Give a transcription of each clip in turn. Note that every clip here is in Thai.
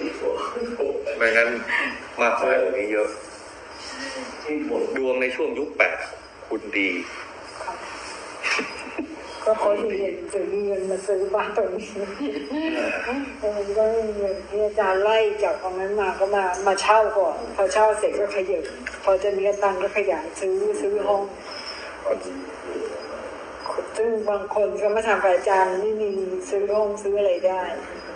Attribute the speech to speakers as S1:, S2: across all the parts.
S1: ไม่งั้นมากมายกว่านี้เยอะดวงในช่วงยุค8คุณดี
S2: ก็เขามีเงินมาซื้อบ้านตรงนี้ก็มีเงินที่อาจารย์ไล่จากตรงนั้นมาก็มาเช่าก่อนพอเช่าเสร็จก็ขยับพอจะมีตังค์ก็ขยายซื้อห้องซึ่งบางคนก็มาทำอาจารย์ไม่มีซื้อห้องซื้ออะไรได้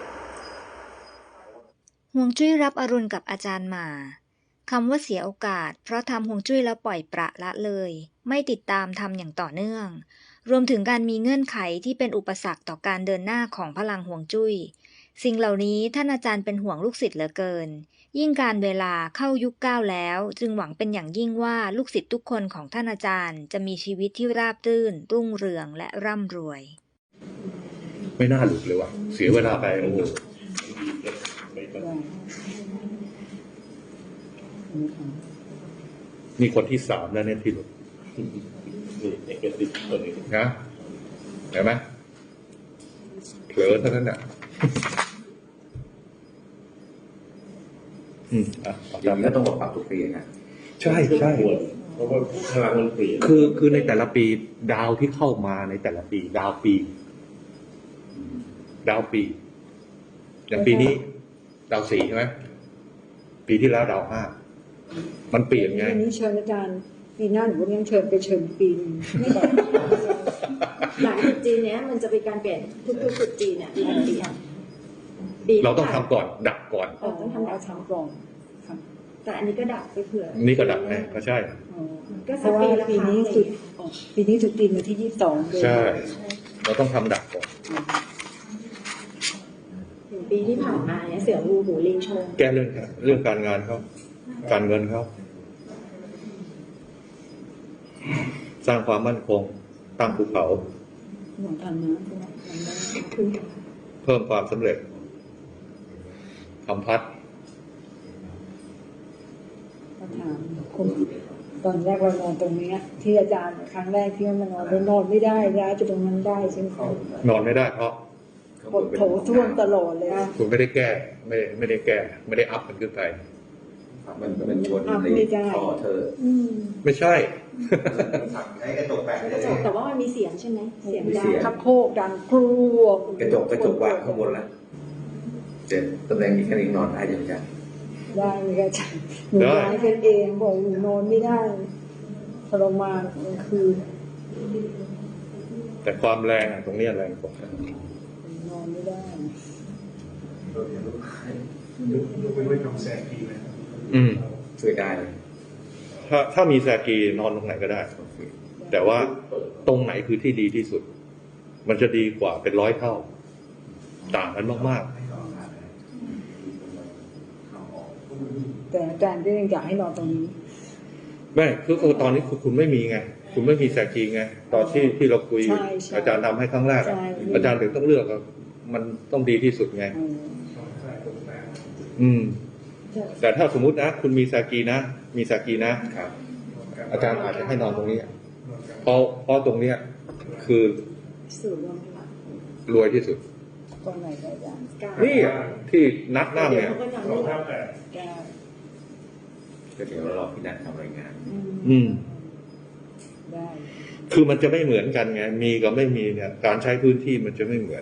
S3: ฮวงจุ้ยรับอรุณกับอาจารย์มาคำว่าเสียโอกาสเพราะทำฮวงจุ้ยแล้วปล่อยปละละเลยไม่ติดตามทำอย่างต่อเนื่องรวมถึงการมีเงื่อนไขที่เป็นอุปสรรคต่อการเดินหน้าของพลังฮวงจุ้ยสิ่งเหล่านี้ท่านอาจารย์เป็นห่วงลูกศิษย์เหลือเกินยิ่งการเวลาเข้ายุค9แล้วจึงหวังเป็นอย่างยิ่งว่าลูกศิษย์ทุกคนของท่านอาจารย์จะมีชีวิตที่ราบรื่นรุ่งเรืองและร่ำรวย
S1: ไม่น่าหลุดเลยว่ะเสียเวลาไปโอ้โหนี่คนที่3แล้วเนี่ยที่หลุดนะเห็นไหมเผลอเท่านั้นน่ะ
S4: จำก็ต้องบอกปรับทุกปีนะ
S1: ใช่
S4: เพราะว่าพลังมันเปลี่ยน
S1: คือในแต่ละปีดาวที่เข้ามาในแต่ละปีดาวปีอย่างปีนี้ดาว4ใช่ไหมปีที่แล้วดาว5มันเปลี่ยนไง
S2: ปีนี้เชิญอาจารย์ปีหน้าหนูยังเชิญไปเชิญปีนึง
S5: หลังจุดจีนเนี้ยมันจะเป็นการเปลี่ยนทุกจุดจีนเนี่ยปี
S1: เราต้องทำก่อนดับก่อน
S2: ต้องทำก่อน
S5: แต่อันนี้ก็ดับไปเผื่อ
S1: นี่ก็ดับไงก็ใช่
S2: ก็เพราะว่าปีนี้จุดจีนวันที่22
S1: ใช่เราต้องทำดับก่อน
S5: ถึงปีที่ผ่านมาเนี่ยเสืองูหูลิงชง
S1: แก้เรื่องการงานเขาการเงินเขาสร้างความมั่นคงตั้งภูเขาเพิ่มความสำเร็จทำพัด
S2: ตอนแรกเรานอนตรงนี้ที่อาจารย์ครั้งแรกที่มานอนเรานอนไม่ได้ย้ายจะตรงนั้นได้ใช่ไหม
S1: นอนไม่ได้เพราะ
S2: ปวดโถท่วมตลอดเลย
S1: คุณไม่ได้แก้ไม่ได้แก้ไม่ได้อัพมันขึ้นไป
S4: มันชนในคอเธอ
S1: ไม่ใช่
S4: ไอ้กระจกแปะ
S5: แต่ว่ามันมีเสียงใช่ไหมเสียงดัง
S2: คับโคกดังครัว
S4: กระจกวางข้างบนแล้วเจ็บตำแหน่งนี้แค่นี้นอนได้ยังไง
S2: ได้ไหมอาจารย์หนูย้ายเป็นเองบอกหนูนอนไม่ได้ทรมานกลางคืน
S1: แต่ความแรงตรงนี้แรงกว่าน
S2: อนไม่ได้
S4: ยกไปไว้ทำแสงดีไหมช่วยได้
S1: ถ้ามีแซกีนอนตรงไหนก็ได้แต่ว่าตรงไหนคือที่ดีที่สุดมันจะดีกว่าเป็น100 เท่าต่างกันมาก
S2: ๆแต่อาจารย์ก็ยังอยากให้นอนตรงนี้
S1: ไม่คือตอนนี้คุณไม่มีไงคุณไม่มีแซกีไงตอนที่เราคุยอาจารย์ทำให้ครั้งแรกอาจารย์ถึงต้องเลือกมันต้องดีที่สุดไงแต่ถ้าสมมุตินะคุณมีแซกีนะอาจารย์อาจจะให้นอนตรงนี้เพราะตรงเนี้ยคือรวยที่สุดนี่ที่นัดนั่งเนี่ย
S4: ก็เดี๋ยวรอพี่นัททำรายงาน
S1: คือมันจะไม่เหมือนกันไงมีกับไม่มีเนี่ยการใช้พื้นที่มันจะไม่เหมือน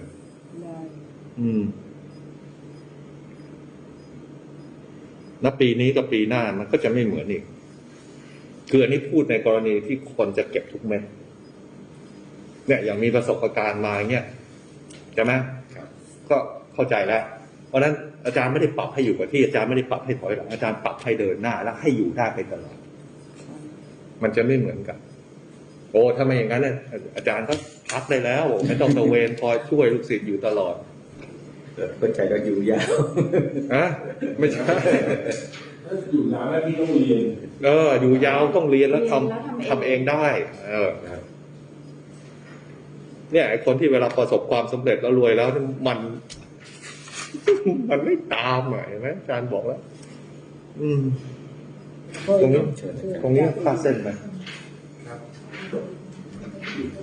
S1: ณปีนี้กับปีหน้ามันก็จะไม่เหมือนอีกคืออันนี้พูดในกรณีที่คนจะเก็บทุกเม็ดเนี่ยอย่างมีประสบการณ์มาเนี่ยใช่ไหมก็เข้าใจแล้วเพราะนั้นอาจารย์ไม่ได้ปรับให้อยู่กับที่อาจารย์ไม่ได้ปรับให้ถอยหลังอาจารย์ปรับให้เดินหน้าแล้วให้อยู่ได้ไปตลอดมันจะไม่เหมือนกันโอ้ถ้าไม่อย่างนั้นเนี่ยอาจารย์ก็พักได้แล้วไม่ต้องตะเวนคอยช่วยลูกศิษย์อยู่ตลอด
S4: เข้าใจก็อยู่ยาว
S1: ไม่ใช่
S4: อยู่ยาวแล้วที่ต้องเรียน
S1: อยู่ยาวต้องเรียนแล้วทำเองได้เนี่ยไอ้คนที่เวลาประสบความสำเร็จแล้วรวยแล้วมันไม่ตามเห็นไหมอาจารย์บอกแล้วตรงนี้พลาดเส้นไหม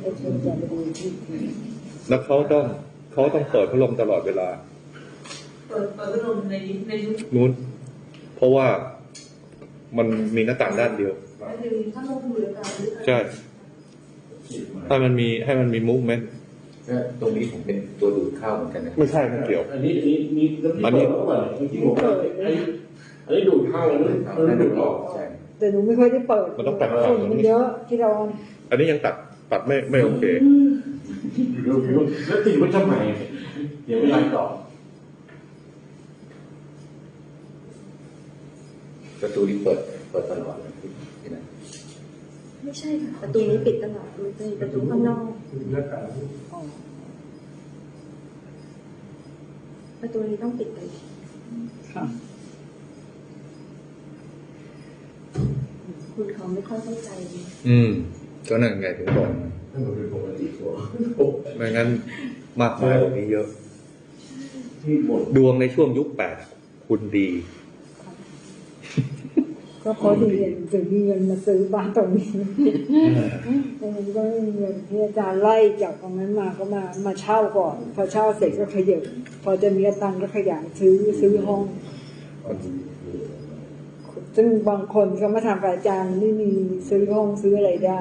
S1: แล้วเขาต้องเปิดพัดลมตลอดเวลา
S5: เปิดพัดลมในยุค
S1: นู้น เพราะว่ามันมีหน้าต่างด้านเดียว
S5: ก็คือถ้าลงมือกัน
S1: ใช่ให้มันมีมูฟเมนต์
S4: ก็ตรงนี้ผมเป็นตัวดูดเข้าเหมือนกันนะ
S1: ไม่ใช่ไม่เกี่ยว
S6: อันนี้อันนี้เปิดที่ผมอันนี้ดูดเข้าอันนี้ดูดออก
S4: ใช่
S2: แต่หนูไม่ค่อยได้เปิด
S1: มันต้องแต่งฝั่ง
S2: ฝุ่น
S1: ตรง
S2: มัน
S1: นี้
S2: เยอะที่เรา
S1: อันนี้ยังตัดไม่โอเค
S6: แล้วติดไว้ทำไมเดี๋ยวเวลาต่อ
S4: ประตูนี้เปิดตลอดเลยที่นั่น
S5: ไม่ใช่ค่ะประตูนี้ปิดตลอดมันจะมีประตูข้างนอกประตูนี้ต้องปิดตลอด
S2: ค่ะ
S5: คุณเขาไม่ค่อยเข้าใจ
S1: ก็นั่นไงถึงบอก
S6: ถ้ามันเป็นปกติตัว
S1: ไม่งั้นมากมายกว่านี้เยอะ
S6: ที่หมด
S1: ดวงในช่วงยุค8คุณดี
S2: ก็เพราะดีถึงมีเงินมาซื้อบ้านตรงนี้มันก็มีเงินที่อาจารย์ไล่จากตรงนั้นมาก็มาเช่าก่อนพอเช่าเสร็จก็ขยับพอจะมีตังค์ก็ขยายซื้อห้อง ซึ่งบางคนเขามาทำกับอาจารย์ไม่มีซื้อห้องซื้ออะไรได้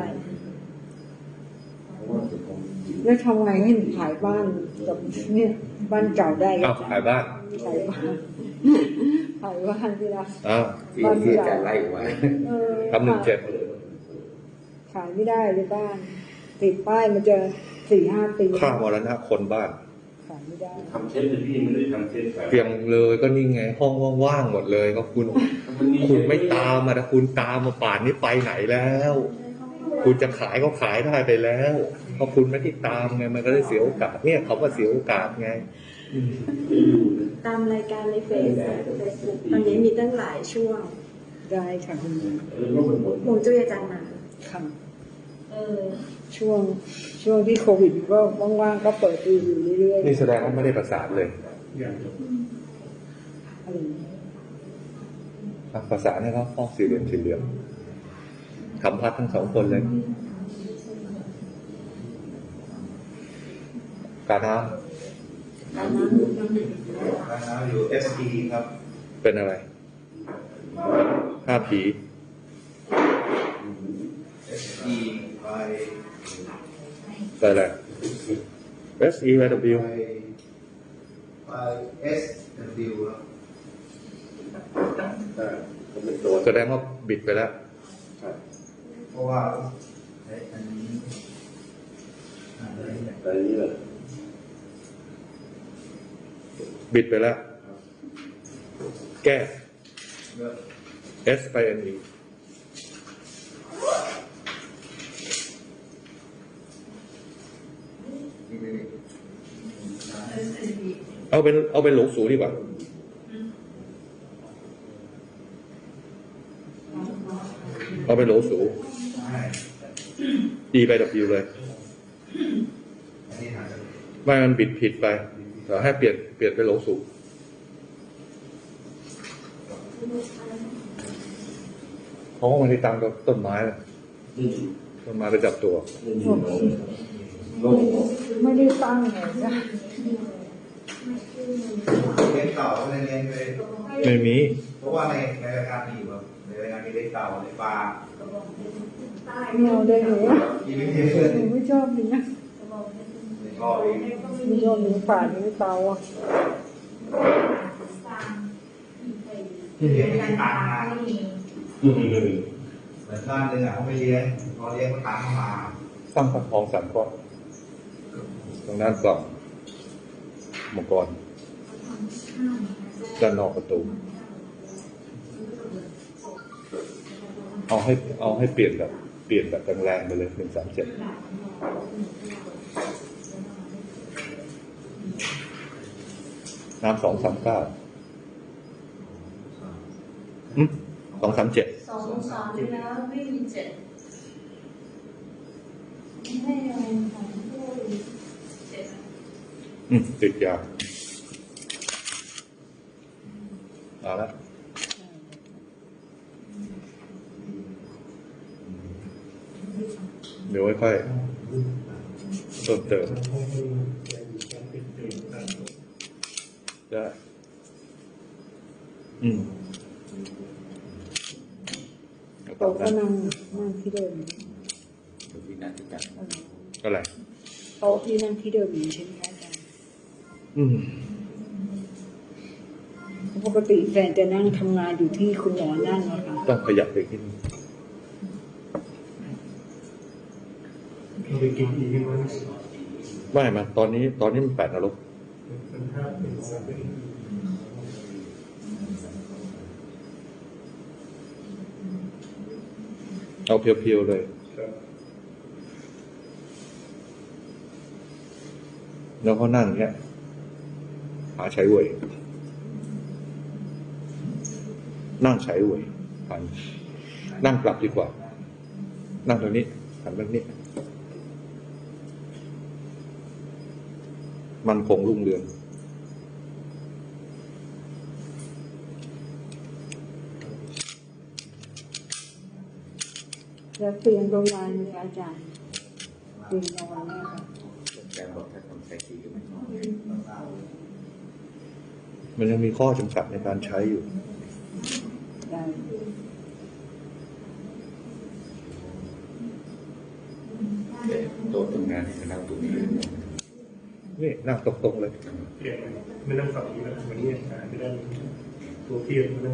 S2: แล้วทำไงให้หนูขายบ้านกับเนี่ยบ้านเก่าได้
S1: อ้าวขายบ้าน
S2: ขายบ้านขายบ้านที่ละ
S1: อ้าว
S4: ที่อาจารย์ไล่ไว้
S1: ทำ17
S2: ขายไม่ได้เลยบ้าน ติดป้ายมันจะ4-5 ปี
S1: ค่ามรณะคนบ้าน
S2: ขายไม่ได้
S6: ทำเช็ดเลยพี่ไม่ได้ทำเช็ดแบบ
S1: เพียงเลยก็นี่ไง ห้องว่างๆหมดเลยก็คุณไม่ตามมาแต่คุณตามมาป่านนี้ไปไหนแล้ว คุณจะขายก็ขายได้ไปแล้วเพราะคุณไม่ที่ตามไงมันก็ได้เสียโอกาสเนี่ยเขาก็เสียโอกาสไง
S5: ตามรายการในเฟซบุ๊กตอนนี้มีตั้งหลายช่วง
S2: ได้ค่ะคุณ
S5: หงจุ้ยอาจารย์มา
S2: ค่ะช่วงที่โควิดก็ว่างๆก็เปิดดูอยู่เรื่อยๆ
S1: นี่แสดงว่าไม่ได้ประสานเลย
S2: อะไรอย่างเงี้ย
S1: ประสานให้เขาห้องสี่เหลี่ยมทำพัดทั้งสองคนเลย การน้
S5: การนั้น
S7: อยู่ SE ครับ
S1: ำเป็นอะไรห้าผี
S7: SE ไป
S1: ไปอะไร S E Y W
S7: ไป SW ครับ
S6: ผมเป็นตัว
S1: แสดงว่าบิดไปแล้ว
S7: เพราะว่าอันนี้
S6: แต่นี้เลย
S1: บิดไปแล้ว แก้
S7: เลือก
S1: S ไป N E เอาเป็นหลงสูดีกว่า เอาเป็นโหลสู E ไป W เลย
S7: อันนี้หาจาก
S1: ไม่มันบิดผิดไปเดี๋ยวให้เปลี่ยนไปโหลสูเพราะว่ามันได้ตังกับต้นไม้เลยต้นไม้ไปจับตัว
S2: ไม่ได้ตั้งเลยนะ
S7: เลี้ยงเต่าในเลี้ยงเลย
S1: ไม่มี
S7: เพราะว่าในรายการมีอยู่ครับในรายการมีเลี้ยงเต่าในปลา
S2: ไม่เอาได้เลยอะ
S7: ที่ไม่เลี้ยง
S2: หนูไม่ชอบเนื้อ
S7: ในท่อเอง
S2: ไม่ชอบเนื้อป่าเนื้อเตาอะ
S7: ที่เลี้ยงไม่มีตังค์นะเหมือนบ้านหนึงอ่ะเขาไม่เลี้ยงพอเลี้ยงก็ตังค์เข้ามา
S1: ตั้งพระทองสามก้อนตรงด้านกล่องมังกรด้านนอกประตู เอาให้เปลี่ยนแบบแรงๆไปเลย137น้ำ239 237
S8: 2 แล้วไม่มี7ให้อะไรของผู้7
S1: ติดยาเอาละเดี๋ยวค่อยๆเพิ่มเติมได้อืม
S2: โต๊ะก็นั่งที่เดิม
S4: อยู่ที่นั่นที่กัน
S1: อะไร
S2: โต๊ะที่นั่งที่เดิมอยู่ใช่ไหมคะอาจารย์
S1: อืม
S2: ปกติแฟนจะนั่งทำงานอยู่ที่คุณหมอนั่งนะคะ
S1: ต้องขยับไปขึ้น
S6: เราไปกินอีกไหม
S1: ไม่มาตอนนี้มัน8 นรก
S6: เป็นภาพเป็นสัตว์เป็น
S1: เอาเพียวๆเลย
S6: ครับ
S1: แล้วก็นั่งเนี้ยหาใช้เวยนั่งใช้เวยหันนั่งกลับดีกว่า นั่งตรงนี้หันแบบนี้ มันคงรุ่งเรือง
S2: แล้วเตียงโรงพยาบาลเนี่ยอาจารย์เตียงนอนเนี่ยค่ะ
S4: อาจารย์บอกถ้าทำใช้ทีก็ไม่นอน
S1: มันยังมีข้อจำกัดในการใช้อยู่
S2: ได้
S4: แต่โต๊ะทำงานให้นั่งตรงนี้เลย
S1: นี่นั่งตรงๆเลย
S6: เปลี่ยนไม่นั่งฝั่งนี้แล้ววันนี้ไม่ได้ตัวเพียรไม่นั่ง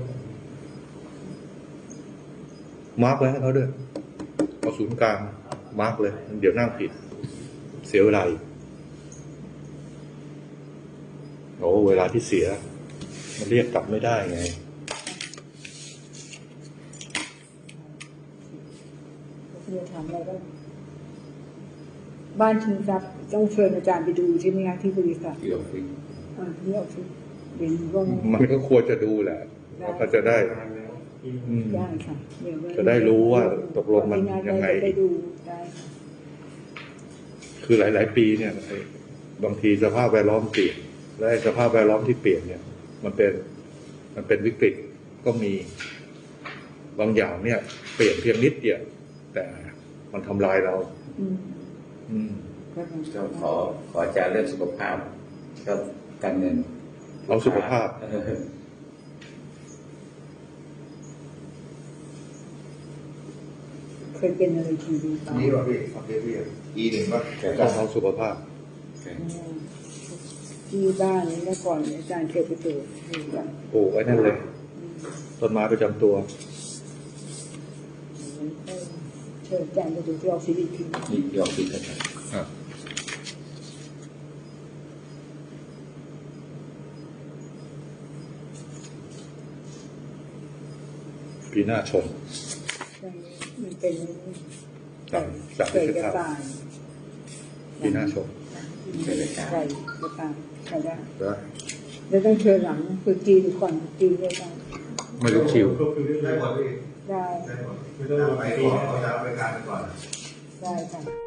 S1: มาร์กไว้ให้เขาด้วยเอาศูนย์กลางมาร์กเลย เดี๋ยวนั่งผิด เสียเวลาอีกโอ้เวลาที่เสีย มันเรียกกลับไม่ได้ไง
S2: เรียนถามอะไรบ้านชิงทรัพย์ต้องเชิญอาจารย์ไปดูใช่ไหมคะที่บริษัท
S4: ที่ออฟฟิศ
S2: ที่ออฟฟิศเรียนร่วม
S1: มันก็ควรจะดูแหละแล้วก็จะได้
S6: นานแล้ว
S1: อืม
S2: ได้ค่ะเดี๋ยว
S1: จะได้รู้ว่าตกลงมันยังไง
S2: จะได้ดูได้ค่ะ
S1: คือหลาย ๆ ปีเนี่ยไอ้บางทีสภาพแวดล้อมเปลี่ยน และไอ้สภาพแวดล้อมที่เปลี่ยนเนี่ย มันเป็นวิกฤตก็มีบางอย่างเนี่ย เปลี่ยนเพียงนิดเดียวแต่มันทำลายเรา
S2: อืม
S1: อืม
S2: ก็เป็น
S4: ก็ขออาจารย์เรื่องสุขภาพก็การเงิน
S1: เอาสุขภาพ
S2: เคยเป็นอะไรทีวีบ้าง
S7: นี่ป่ะพี่คอนเทนต์พี่E1ป่ะ
S1: ต้องเอาสุขภาพ
S2: ที่บ้านนี้เมื่อก่อนอาจารย์เคยไปเจออยู่กัน
S1: ปลูกไว้นั่นเลย ต้นไม้ประจำตัว
S2: เชิญอาจารย์ไปดูที่ออฟฟิศอีกที
S4: นี่ที่ออฟฟิศอาจารย์
S1: ปีหน้าชน
S2: มันเป็น
S1: จาก
S2: ไก่
S1: ที่
S2: กระ
S1: ข้าว
S2: ต่าย
S1: ปีหน้าชน
S2: ไก่กระต่ายใครได้
S1: แล้ว
S2: แล้วต้องเชิญหลังคือจีนก่อนจีนด้วยกัน
S1: ไม่รู้คิว
S6: ก็คือเรื่อง
S7: ได้หมดพี่
S2: ได้
S7: ได้หมด
S6: ไม่ต้อง
S7: ไปก่อนเอาจะเอาไปการก่อน
S2: ได้ค่ะ